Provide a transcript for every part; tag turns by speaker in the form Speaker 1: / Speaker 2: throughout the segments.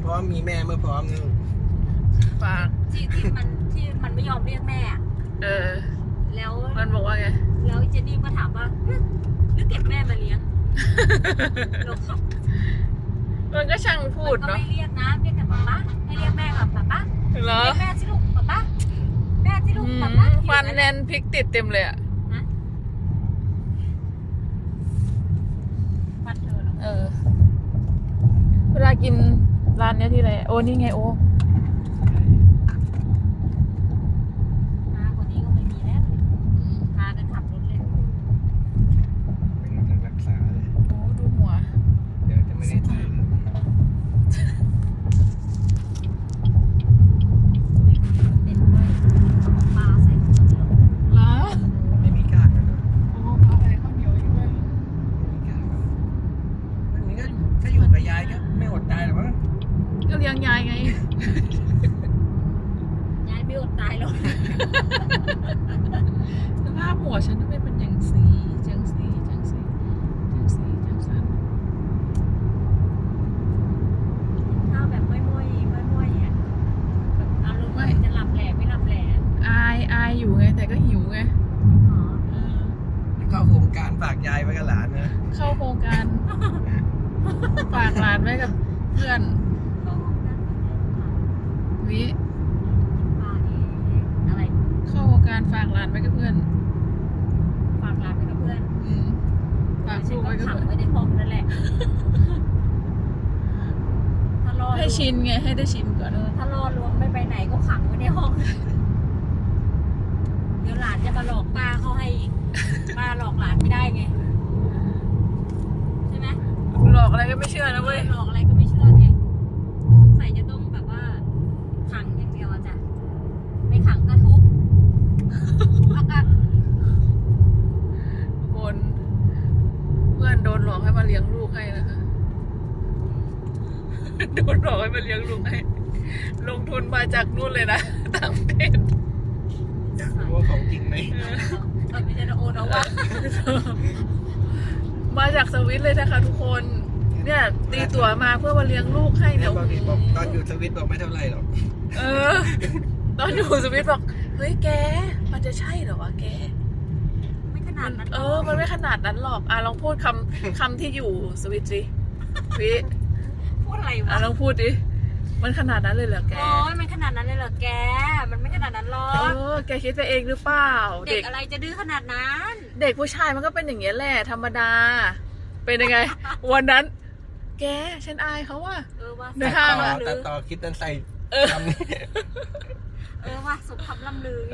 Speaker 1: พร้อมมีแม่เมื่อพร้อมนึง
Speaker 2: ฝาก
Speaker 3: ที่มันไม่ยอมเรียกแม่แล้ว
Speaker 2: มันบอกว่าไง
Speaker 3: แล้วเจนนี่ก็ถามว่าหรือเก็บแม่มาเลี้ยงเราขับ
Speaker 2: มันก็ช่างพูดเนาะ
Speaker 3: ไม่เรียกนะเรียกแต่ป๊าป๊าให้เรียกแม่กับป๊าป๊า
Speaker 2: เหรอ
Speaker 3: เรียกแม่สิลูกป๊าป๊าแม่สิลูกป๊าป๊า
Speaker 2: ฟันแนนพริกติดเต็มเลยอ่ะ
Speaker 3: ฟันเธอเนาะ
Speaker 2: เวลากินร้านเนี้ยที่ไรโอ้นี่ไงโอ้
Speaker 3: มากว่านี้ก็ไม่มีแล้วพากันขับรถเลย
Speaker 1: ไม่ต้องรักษาเลย
Speaker 2: โอ้ดูหัว
Speaker 1: เดี๋ยวจะไม่ได้ถ่าย
Speaker 3: เป็นด้วยปลาใส่
Speaker 2: เหรอ
Speaker 1: ไม่มีกากนะ
Speaker 2: โอ้ปลาอะไรข้าวเหนียวอยู่ด้วย
Speaker 1: ไม่มีกากวันนี้ก็อยู่กับยายก็ไม่อดตายหรอกมั้ง
Speaker 2: ก็เลี้ยงยายไง
Speaker 3: ยายไม่อดตายหรอก
Speaker 2: สภาพหัวฉันทำไมเป็นอย่างสีจังสีจังสัน
Speaker 3: ข้าวแบบม้อยอ่ะอารมณ์จะหลับแหล่ไม่หลับแหล่
Speaker 2: อายอยู่ไงแต่ก็หิวไง
Speaker 1: เข้าโครงการฝากยายไว้กับหลานนะ
Speaker 2: เข้าโครงการฝากหลานไว้กับเพื่อนวิ
Speaker 3: อะไร
Speaker 2: เข้าโครงการฝากหลานไว้กับเพื่อน
Speaker 3: ฝากหลานไว้กับเพื่อน
Speaker 2: ฝากลูกไว้กับเพื่อน
Speaker 3: ไว้ในห้องนั่นแหละ
Speaker 2: ให้ชินไงให้ได้ชินก่อน
Speaker 3: ถ้ารอรวมไม่ไปไหนก็ขังไว้ในห้องเดี๋ยวหลานจะมาหลอกป้าเขาให้ป้าหลอกหลานไม่ได้ไงใช่ไหม
Speaker 2: หลอกอะไรก็ไม่เชื่อนะเว้ย
Speaker 3: หลอกอะไรก็ไม่เชื่อไงสงสัยจะต้องแบบว่าขังอย่างเดียวจ้ะไม่ขังก็ทุบเอากัน
Speaker 2: คนเพื่อนโดนหลอกให้มาเลี้ยงลูกให้นะคะโดนหลอกให้มาเลี้ยงลูกให้ลงทุนมาจากนู่นเลยนะต่างประเทศ
Speaker 1: อยากรู้ว่าของจริงไหม
Speaker 3: ไม่ใช่โอนเอาวะ
Speaker 2: มาจากสวิตเลยนะคะทุกคนเนี่ยตีตั๋วมาเพื่อมาเลี้ยงลูกให้เนี่ย
Speaker 1: บอกตอนอยู่สวิตบอกไม่เท่าไรหรอก
Speaker 2: ตอนอยู่สวิตบอกเฮ้ยแกมันจะใช่เหรอวะแก
Speaker 3: ไม่ขนาดนั้น
Speaker 2: มันไม่ขนาดนั้นหรอกลองพูดคำที่อยู่สวิตสิวิ
Speaker 3: พูดอะไรวะ
Speaker 2: ลองพูดดิมันขนาดนั้นเลยเหรอแก
Speaker 3: โอ้ยมันขนาดนั้นเลยเหรอแกมันไม่ขนาดนั้นหรอก
Speaker 2: แกคิดไปเองหรือเปล่า
Speaker 3: เด็กอะไรจะดื้อขนาดนั้น
Speaker 2: เด็กผู้ชายมันก็เป็นอย่างเงี้ยแหละธรรมดาเป็นยังไงวันนั้นแกฉันอายเขาว่ะ
Speaker 3: ใน
Speaker 1: ห้างตัดต่อคิดนั้นใส่คำนี้
Speaker 3: ว่าสมคำล่ำลือ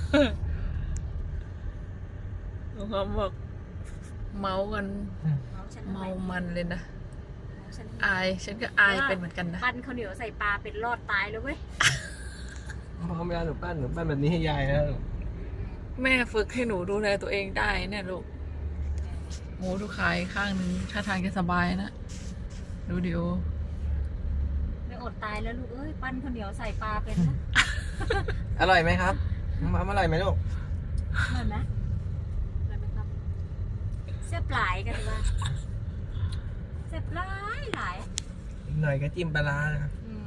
Speaker 2: เขาบอกเมากันเมามันเลยนะอายฉันก็อายเป็นเหมือนกันนะ
Speaker 3: ปั้นข้าวเหนียวใส่ปลาเป็นรอดตายเลยเว้ย
Speaker 1: พอเวลาหนูปั้นแบบนี้ให้ยายนะ
Speaker 2: แม่ฝึกให้หนูดูแลตัวเองได้เนี่ยลูกโหดูขายข้างนึงท่าทางจะสบายนะดูเดี๋ยว
Speaker 3: ไม่อดตายแล้วลูกเอ้ยปั้นข้าวเหนียวใส่ปลาเป็นนะ
Speaker 1: อร่อยไหมครับมาอร่อยไหมลูก
Speaker 3: อร่อยไหมครับเสียบหลายกันว่าเสียบหลาย
Speaker 1: อีกหน่อยก็จิ้มปลาร้านะ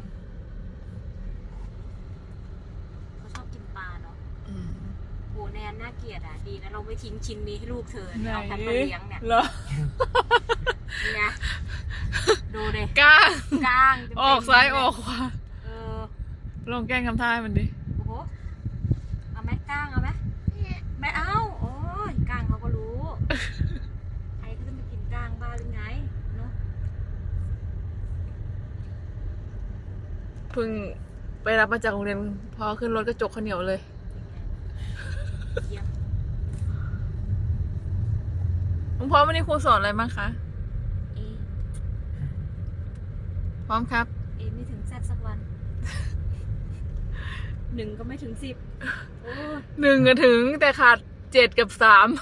Speaker 3: เขาชอบกินปลาเนาะโหแนนน่าเกลียดอ่ะดีนะเราไม่ทิ้งชิ้นนี้ให้ลูกเธอเอาแพทมาเลี้ยงเนี่ย
Speaker 2: เหรอ
Speaker 3: เนี่ยดูเลย
Speaker 2: ก้างออกซ้ายออกขวาลองแกล้งทำท่ามันดิ
Speaker 3: โอ้โหเอาไหมก้างเอาไหมไม่เอาโอ้ยก้างเขาก็รู้ใครก็จะมากินก้างบ้าหรือไงเนาะ
Speaker 2: เพิ่งไปรับมาจากโรงเรียนพอขึ้นรถก็จกข้าวเหนียวเลยหลวงพ่อวันนี้ครูสอนอะไรบ้างคะพร้อมครับ
Speaker 3: ไม่ถึงแซดสักวัน1ก็ไม่ถึง10
Speaker 2: 1ก็ถึงแต่ขาด7กับ3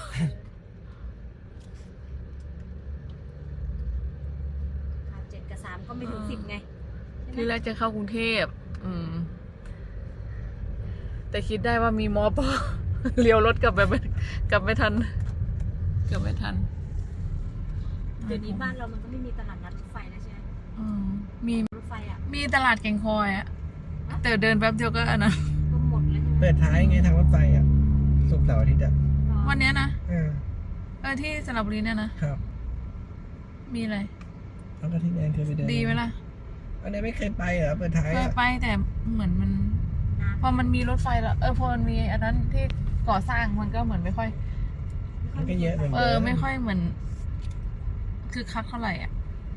Speaker 3: ขาด7กับ3ก็ไม่ถึง10ไง
Speaker 2: ที่แรกจะเข้ากรุงเทพแต่คิดได้ว่ามีมอปอเลี้ยวรถกลับไม่ทันเ
Speaker 3: ดี๋ยวนี้บ้านเรามันก็ไม่มีตลาดนัดรถไฟแล้วใช่ไหม
Speaker 2: มี
Speaker 3: รถไฟอ่ะ
Speaker 2: มีตลาดแก่งคอยอะแต่เดินแป๊บเดียวก็อันนั้น
Speaker 3: ก็หมดเลยใช่ไหม
Speaker 1: เปิดท้ายไงทางรถไฟอ่ะศุกร์เสาร์อาทิตย์อ่ะ
Speaker 2: วันเนี้ยนะ
Speaker 1: เออ
Speaker 2: ที่สระบุรีเนี่ยนะครับ มีอะไร
Speaker 1: แล้วก็ที่แนนเคยไปเดิน
Speaker 2: ดีไหมล่ะ
Speaker 1: อันนี้ไม่เคยไปเหรอเปิดท้าย
Speaker 2: เคย
Speaker 1: อ่ะ
Speaker 2: ไปแต่เหมือนมัน
Speaker 3: นะ
Speaker 2: พอมันมีรถไฟแล้วพอมันมีอันนั้นที่ก่อสร้างมันก็เหมือนไม่ค่อย
Speaker 1: มันก็เยอะเหมือน
Speaker 2: เอ
Speaker 1: เดิ
Speaker 2: อ
Speaker 1: ม
Speaker 2: ไม่ค่อยเหมือน คือคักเท่าไหร่อ่ะ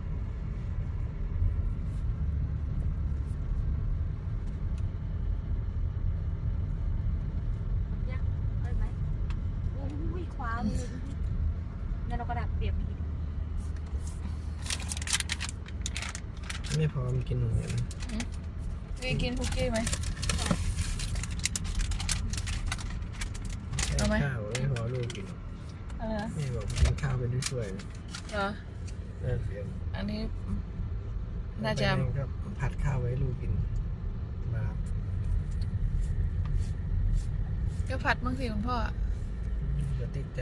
Speaker 3: ยักษ์เอ้ยไหมอุ้ยคว้าเลยงั้นเรากระดาษเปรียบอีก
Speaker 1: ไม่พอมันกินหนูเลย
Speaker 2: วีกินคุกกี้ไหม เอาไหม
Speaker 1: ข้าวไม่พอลูกกิน
Speaker 2: อะไรนะ
Speaker 1: แม่บอกกินข้าวเป็นด้วยช่วยนะ
Speaker 2: เหรอ
Speaker 1: เรียน
Speaker 2: อันนี้ น่าจะ
Speaker 1: แม่ก็ผัดข้าวไว้ให้ลูกกินมา
Speaker 2: ก็ผัดบ้างสิคุณพ่อ
Speaker 1: จะติดใจ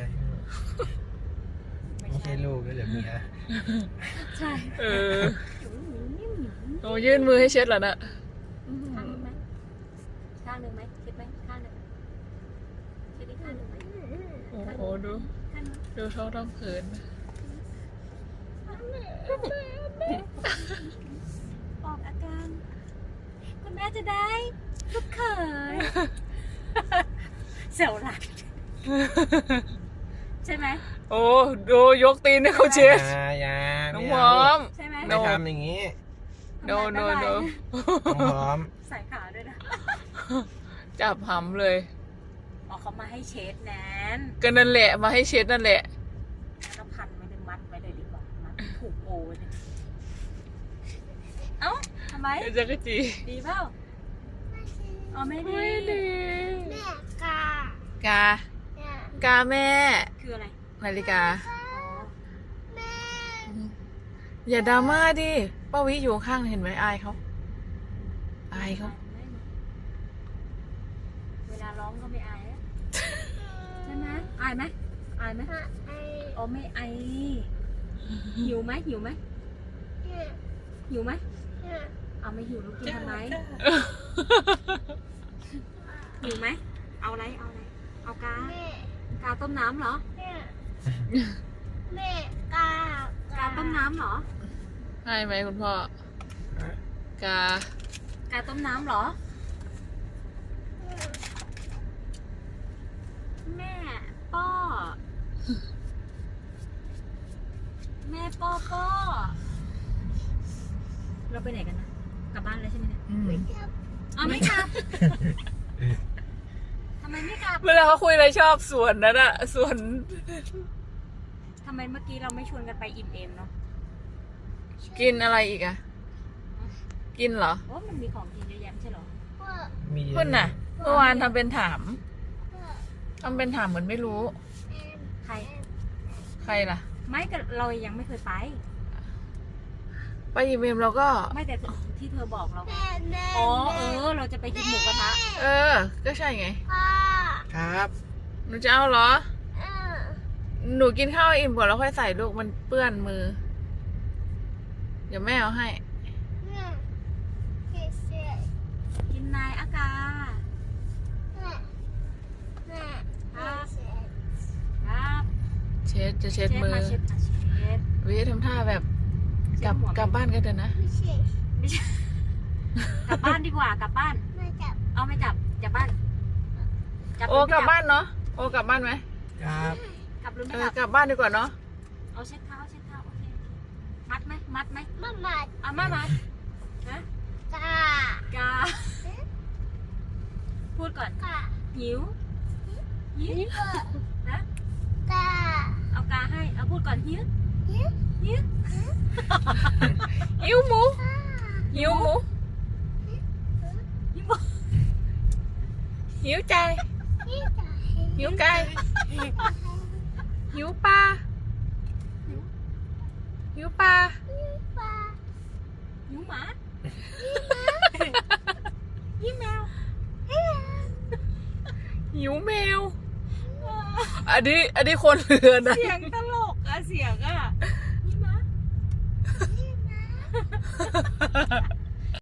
Speaker 1: ไม่ใช่ลูกด้วยเหรอเมีย
Speaker 3: ใช่
Speaker 2: เออ
Speaker 3: นิ่ม
Speaker 2: โอ้ยื่นมือให้เช็ดเหรอนะ
Speaker 3: ข้างนึงไหมข้างนึงไหมเช็ดไหมข้างนึงเช็ดอีกข้างนึงไหม
Speaker 2: โอ้โหดู
Speaker 3: ข้างนึง
Speaker 2: ดูท้องต้องเขิน
Speaker 3: ออกอาการคุณแม่จะได้ลูกเขยเสียวหลักใช่ไหม
Speaker 2: โอ้ดูยกตีนให้เขาเช็ด
Speaker 1: อย่า
Speaker 2: น้อง
Speaker 1: ไม่
Speaker 2: พร้
Speaker 1: เอา
Speaker 2: อม
Speaker 3: ใช่ไหม
Speaker 1: ไม่ทำอย่างนี้
Speaker 2: โนโนโน
Speaker 1: น้องพร้อม
Speaker 3: ใส่ขาด้วยนะ
Speaker 2: จับหำเลย
Speaker 3: อ๋อเขามาให้เช็ดแนน
Speaker 2: ก็นั่นแหละมาให้เช็ดนั่นแหละ
Speaker 3: แล้วพันไว้เลยมัดไว้เลยดีกว่ามัดผูกโบไว้เลยเอ้าทำไม
Speaker 2: จักรจี
Speaker 3: ดีเปล่าอ๋อไม่ดี
Speaker 2: ไม่ดี
Speaker 4: แม่กาก
Speaker 2: า
Speaker 4: เนี่ย
Speaker 2: กาแม่
Speaker 3: คืออะไร
Speaker 2: นาฬิกา
Speaker 3: อ๋อ
Speaker 4: แม่
Speaker 2: อย่าดราม่าดิป้าวิอยู่ข้างเห็นไหมอายเขาอายเขา
Speaker 3: เวลาร้องก็ไม่อายอะใช่ไหมอายไหมอายไหม
Speaker 4: ไอ้
Speaker 3: อ๋อไม่ไอายหิวไหมหิวไหม
Speaker 4: เนี่ย
Speaker 3: หิวไหม
Speaker 4: เนี่ย
Speaker 3: เอาไม่หิวแล้วกินทำไมหิวไหมเอาอะไรเอาอะไรเอากา
Speaker 4: แม่
Speaker 3: กาต้มน้ำเหรอ
Speaker 4: เนี่ยแม่กาก
Speaker 3: าต้มน้ำเหรอ
Speaker 2: ให้ไหมคุณพ่อ กา
Speaker 3: กาต้มน้ำเหรอ แม่ป้อ แม่ป้อป้อเราไปไหนกันนะกลับบ้านเลยใช่ไหมเนี่ย
Speaker 2: อืม
Speaker 3: อ๋อไม่กลับทำไมไม่กลับ
Speaker 2: เวลาเขาคุยอะไรชอบส่วนนั้นอะส่วน
Speaker 3: ทำไมเมื่อกี้เราไม่ชวนกันไปอิ่มเอมเนาะ
Speaker 2: กินอะไรอีกอะกินเหรอ
Speaker 3: โอ้มันมีของกินเยอะแยะไม่ใช่เหรอ
Speaker 4: พ่อ
Speaker 1: มีเยอะ
Speaker 2: คุณน่ะเมื่อวานทำเป็นถาม
Speaker 4: พ่อ
Speaker 2: ทำเป็นถามเหมือนไม่รู้
Speaker 3: ใคร
Speaker 2: ใครล่ะ
Speaker 3: ไม่ก็เรายังไม่เคยไป
Speaker 2: ไปยิมเอมเราก็
Speaker 3: ไม่แต่ที่เธอบอกเราไง
Speaker 4: แม่
Speaker 3: อ๋อเราจะไปกินหมูกระทะ
Speaker 2: เออ ก็ใช่ไง
Speaker 4: พ่อ
Speaker 1: ครับ
Speaker 2: หนูจะเอาเหรอ
Speaker 4: เออ
Speaker 2: หนูกินข้าวอิ่มก่อนแล้วค่อยใส่ลูกมันเปื้อนมือ เดี๋ยวแม่เอาให้
Speaker 4: เนี่ยเสีย
Speaker 3: กินนายอากา
Speaker 4: แม่แม่เสีย
Speaker 3: ครับ
Speaker 2: เช็ดจะเช็ดมือ
Speaker 3: มาเช็ดอ่ะเช็ด
Speaker 2: วิทำท่าแบบกลับ
Speaker 3: เช็ดหัว
Speaker 2: กลับบ้านกันเถอะนะ
Speaker 4: ไม่ใช่
Speaker 3: ไม่ใช่กลับบ้านดีกว่ากลับบ้าน
Speaker 4: ไม่จับ
Speaker 3: เอาไม่จับกลับบ้าน
Speaker 2: โอ้กลับบ้านเนาะโอ้กลับบ้านไหม
Speaker 1: ครับ
Speaker 3: กลับหรือ
Speaker 2: เอ
Speaker 3: ไม่
Speaker 2: อก
Speaker 3: ลับ
Speaker 2: กลับบ้านดีกว่าเนาะ
Speaker 3: เอาเช็ดเท้าโอเคมัดไหมมัดไหม
Speaker 4: มามา
Speaker 3: เอามามัดนะ
Speaker 4: กาก
Speaker 3: าพูดก่อน
Speaker 4: กา
Speaker 3: หิวหิวนะ
Speaker 4: กา
Speaker 3: เอากาให้เอาพูดก่อนหิวหิว
Speaker 2: หิวหมูหิวหมู
Speaker 3: หิว
Speaker 2: หิวใจ
Speaker 4: นี่กา
Speaker 2: หิวไก่หิวปลาหิวปลา
Speaker 4: ปลา
Speaker 3: หิวหมาหิวแมว
Speaker 2: หิวแมว อันนี้คนเรือนะ
Speaker 3: เสียงตลกอะเสียงอะหิวหมา